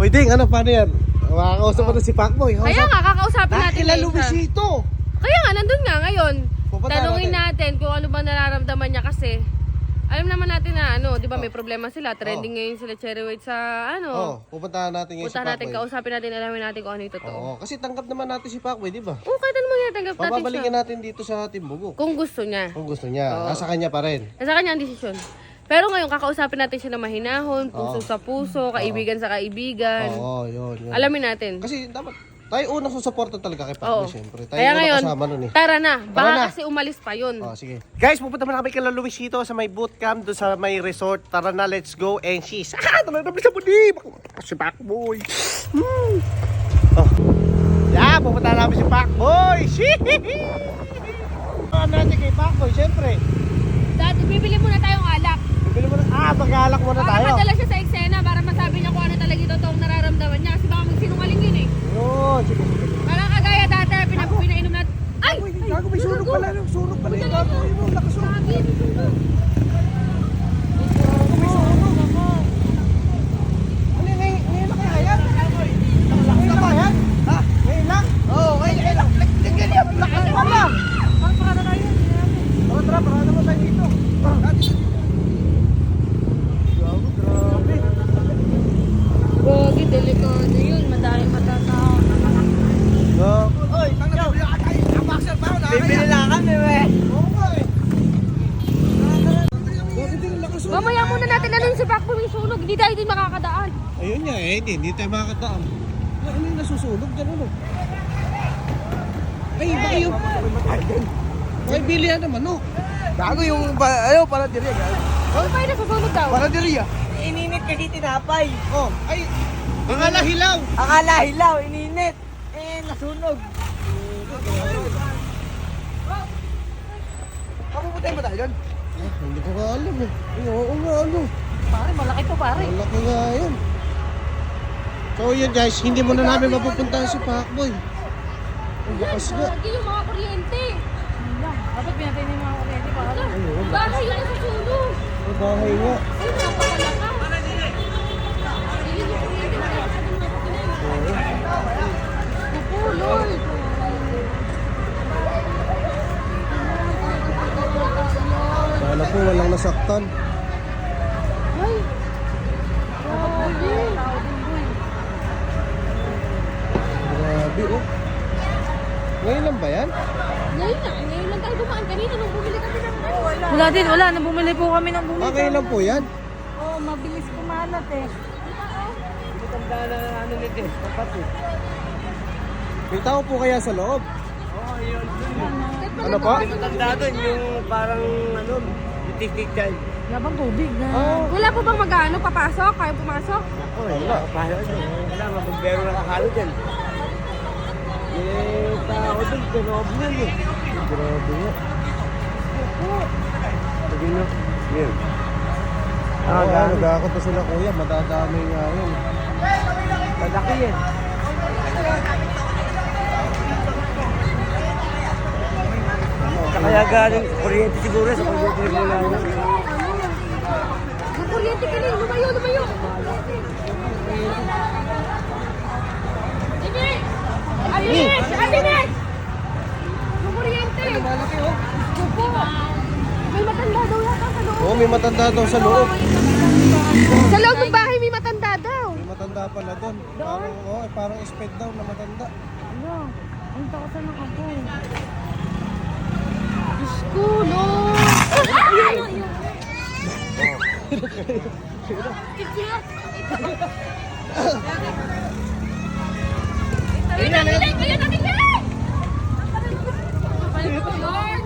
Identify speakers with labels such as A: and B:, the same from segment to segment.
A: Uy, Ding, ano, paano yan? Makakausap mo na si Pacboy.
B: Kaya nga, kakausapin natin
A: Kila
B: na isa.
A: Luisito.
B: Kaya nga, nandun nga ngayon.
A: Pupunta
B: Tanungin
A: natin.
B: natin kung ano ba nararamdaman niya kasi. Alam naman natin na ano, di ba may problema sila. Trending ngayon sila Cherry White sa ano.
A: Pupuntahan natin ngayon si
B: Punta natin,
A: Pacboy.
B: kausapin natin, alamin natin kung ano yung totoo.
A: Oo, kasi tanggap naman natin si Pacboy, di ba?
B: Oo, kahit ano mangyari, tanggap natin
A: Bababalikin
B: siya.
A: natin dito sa Timbukok.
B: Kung gusto niya.
A: Kung gusto niya.
B: Oo.
A: Nasa kanya pa rin.
B: Nasa kanya ang desisyon. Pero ngayon, kakausapin natin siya na mahinahon, puso sa puso, kaibigan sa kaibigan.
A: Oo, yun.
B: Alamin natin.
A: Kasi dapat tayo unang susuporta talaga kay Pacboy,
B: Oo.
A: syempre. Tayo
B: Kaya
A: unang
B: ngayon,
A: kasama nun eh.
B: tara na.
A: Tara
B: Baka
A: na.
B: kasi umalis pa yun.
A: Oh, sige. Guys, pupunta muna kami kay Luisito sa may bootcamp doon sa may resort. Tara na, let's go. And she's... Tara na, bisa mo di! Si Pacboy. Oh. Yeah, pupunta namin si Pacboy. Ano natin kay Pacboy, syempre.
B: Dati, bibili muna tayong alak.
A: Bibili mo na... mag-alak muna
B: Para
A: tayo.
B: madala siya sa eksena, para masabi niya kung ano talaga yung totoong nararamdaman niya. Kasi baka magsinungaling yun eh.
A: Yun, sige.
B: Parang kagaya dati, pinainom natin. Ay!
A: Gago, may sunog pala. Sunog pala yung gago. Yun, nakasunog.
B: Lagi, may sunog.
A: May sunog. Ano, ngayon lang kaya yan? Ngayon lang kaya yan? Ha? Ngayon lang? Oo, ngayon lang. Tingnan yan, lakas pala.
B: Parada tayo.
A: Oo, tara, parada mo tayo dito. Gago, grabe.
B: Gogi, delikado yun. Madaling matatao.
A: Gago.
C: Oy, pang nabibili ka tayo. Ang boxer pa ako.
A: Bibili
C: lang kami, we.
A: Oo nga eh. Gago din, lakas mo.
B: Mamaya muna natin ano yung si Pacboy may sunog. Hindi tayo din makakadaan.
A: Ayun nga eh, hindi tayo makakataam. Ano yung nasusunog dyan, ano? Ay, baka yung... Ay, bilihan naman, no?
C: Gago yung, ayaw, para diri.
B: Ano pa yung nasusunog daw?
C: Para diri, Ininit kasi tinapay.
A: Oh, ay, akala hilaw.
C: Akala hilaw, ininit. Nasunog. Papupuntahin ba tayo doon?
A: Hindi ko nga alam eh. Ay, oo nga, ano.
B: Pare, malaki to pare.
A: Malaki nga yun. So yun guys, hindi muna namin mapupuntahan si Pacboy. Ang lakas nga.
B: Gogi yung mga kuryente.
D: Dapat pinatay niyo yung mga kuryente para lang.
A: Ayun,
B: Bahay yung nasusunog.
A: ang bahay nga.
B: Ay, napakalakas. Hindi yung kuryente na napulol.
A: Sana po walang nasaktan.
B: Ay, grabe.
A: Grabe oh. Ngayon lang ba yan?
B: Ngayon lang tayo dumaan. Kanina nung bumili kami ng ano.
D: Wala din, wala. Nang bumili po kami ng bumili.
A: Ngayon lang po yan?
D: Oo, mabilis kumalat eh.
C: Matanda na ano nito eh. Kapatid.
A: May tao po kaya sa loob?
C: Oo, yun.
A: Ano pa?
C: Matanda doon yung parang ano, titik dyan.
D: Wala bang tubig na?
A: Oh,
B: Wala po bang mag-ano? Papasok? Kaya pumasok?
C: Ako, wala. Paano doon? Wala, mabumbero na kakalo dyan. Tao doon, tinoob na yun.
A: grabe nga.
C: Sabi mo, yun.
A: Ah, nagkakot pa sila kuya, madadami nga yun.
C: Malaki yan. Kaya galing kuryente siguro sa kuryente mo lang.
B: Yung kuryente ka rin. Lumayo, lumayo. Dinis! Dinis! Dinis! Yung kuryente.
A: Malaki oh.
B: Opo. May matanda daw yata sa loob.
A: Oo, may matanda daw sa loob.
B: Sa loob ng bahay may matanda daw.
A: May matanda pala doon. Parang, parang sped daw na matanda.
D: Ano? Ang takot na ng apoy.
B: Diyos ko, no! Ayun na, ayun na, ayun na, ayun na! Lord!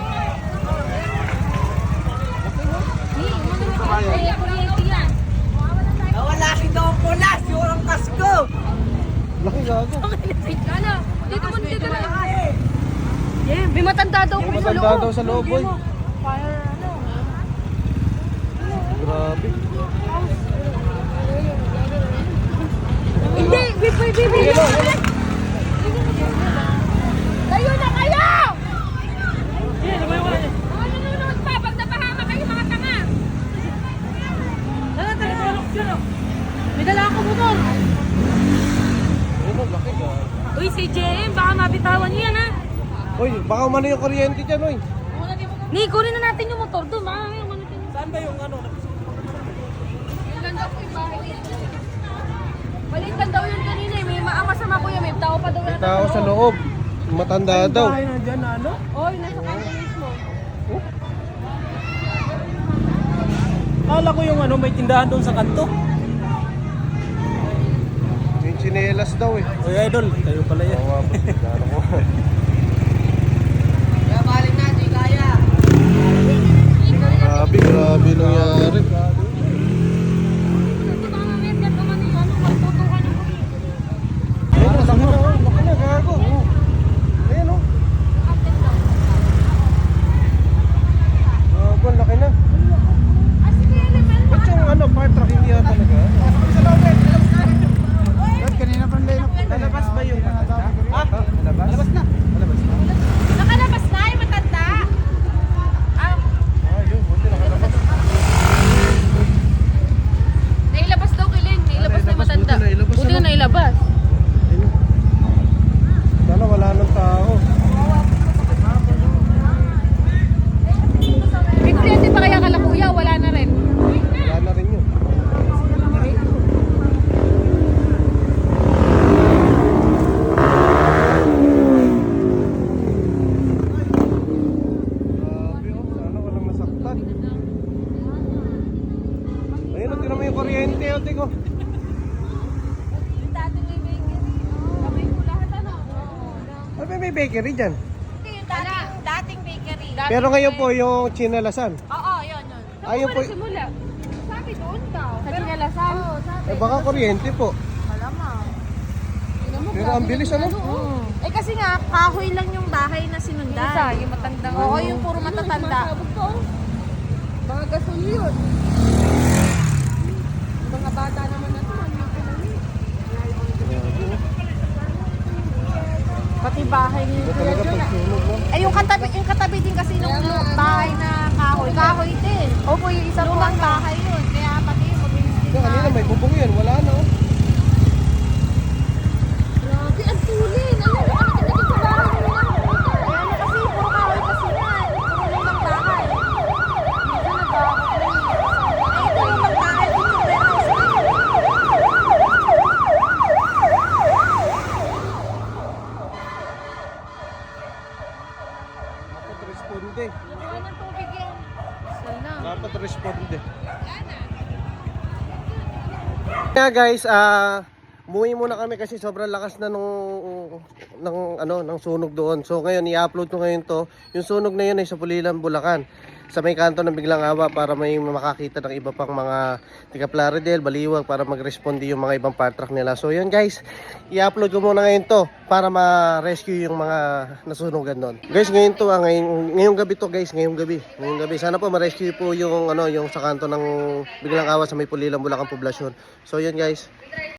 B: Ay, kuryente yan.
C: Nawala si Don Polas, yung ang kasko.
A: Laki gago.
B: Ano? Dito mo, dito na. Yeah, may matanda daw
A: May
B: kung sa
A: matanda
B: loob.
A: daw sa loob, boy.
D: Fire ano?
A: Grabe.
B: Hindi, bibi. Tayo na kayo! Mga nanonood pa, pag napahama kayo mga tanga.
D: Dala, dala, dala. May dala ako motor.
A: Ayun, laki ka.
B: Uy, si JM, baka mabitawan niyo yan ha.
A: Uy, baka umano yung kuryente dyan, uy.
B: Ni, kunin na natin yung motor doon. Baka may umano tayo.
C: Saan ba yung ano?
B: Yung ganda po yung bahay dito. Balikan daw yun kanina eh. May masama ko yun. May tao pa daw
A: May
B: yata
A: tao sa loob. Matanda daw.
C: Bahay na dyan, ano?
B: Oy, nasa kanto mismo.
C: Kala ko yung ano, may tindahan doon sa kanto.
A: Yung chinelas daw eh.
C: Oy, idol, kayo pala yan.
A: Oo, ano ko.
C: Kaya balik na, di kaya.
A: Grabe, grabe nangyari. Ayun, laki na, oh. Laki na, gago. Oh. Ayun, oh. Gago, laki na. Ba't yung ano, fire truck hindi na talaga? Kanina pang lalabas ba yung matanda? Ha? Lalabas na. Lalabas na.
B: Nakalabas na yung matanda.
A: Ayun, buti nakalabas.
B: Nailabas daw kiling. Nailabas na yung matanda.
A: Buti nailabas,
B: Buti na
A: ano?
B: nailabas.
A: Ayun. Sana wala nang tao.
B: May kuryente pa kaya kala kuya? Wala na rin.
A: Wala na rin yun. Grabe, oh. Sana walang masaktan. Ayun, tingnan mo yung kuryente, oh, tigo.
B: Yung dating may bakery. Kamay ko lahat ano.
A: Ano ba may bakery dyan?
B: Yung dating bakery.
A: Pero ngayon po yung chinalasan.
B: Oo, yun.
A: Ayun po.
B: Simula. Sabi doon daw. Sa Chinalasan? Oo, sabi.
A: Eh baka kuryente po.
B: Malamang.
A: Pero ang bilis ano?
B: Eh kasi nga, kahoy lang yung bahay na sinundan. Isa, yung matandang. Oo, yung puro matatanda. Mga gasol yun. Mga bata naman na ito. Pati bahay ni
A: Ito talaga pagsunog mo.
B: Eh yung katabi din kasi nung bahay na kahoy. Kahoy din. Opo, yung isang lumang bahay yun. Kaya pati mabilis din
A: Yung kanina may bubong yan, wala na oh.
B: Grabe, ang tulin. Ano ka naging sa bahay nila? Kaya na kasi, puro kahoy kasi yan. Puro lumang bahay. Medyo nagkakakot. Eh, ito lumang bahay din yung warehouse.
A: Dapat responde.
B: Nakuha ng tubig yan. Sana.
A: Dapat responde. Kaya guys, umuwi muna kami kasi sobrang lakas na ng sunog doon. So ngayon i-upload ko ngayon to. Yung sunog na yun ay sa Pulilan, Bulacan. Sa may kanto ng Biglang Awa para may makakita ng iba pang mga tiga Plaridel, Baliwag para mag-responde yung mga ibang part truck nila. So yun guys, i-upload ko muna ngayon to para ma-rescue yung mga nasunugan doon. Guys, ngayon to ngayong gabi to guys, ngayong gabi. Sana po ma-rescue po yung yung sa kanto ng Biglang Awa sa may Pulilan, Bulacan poblasyon. So yun guys.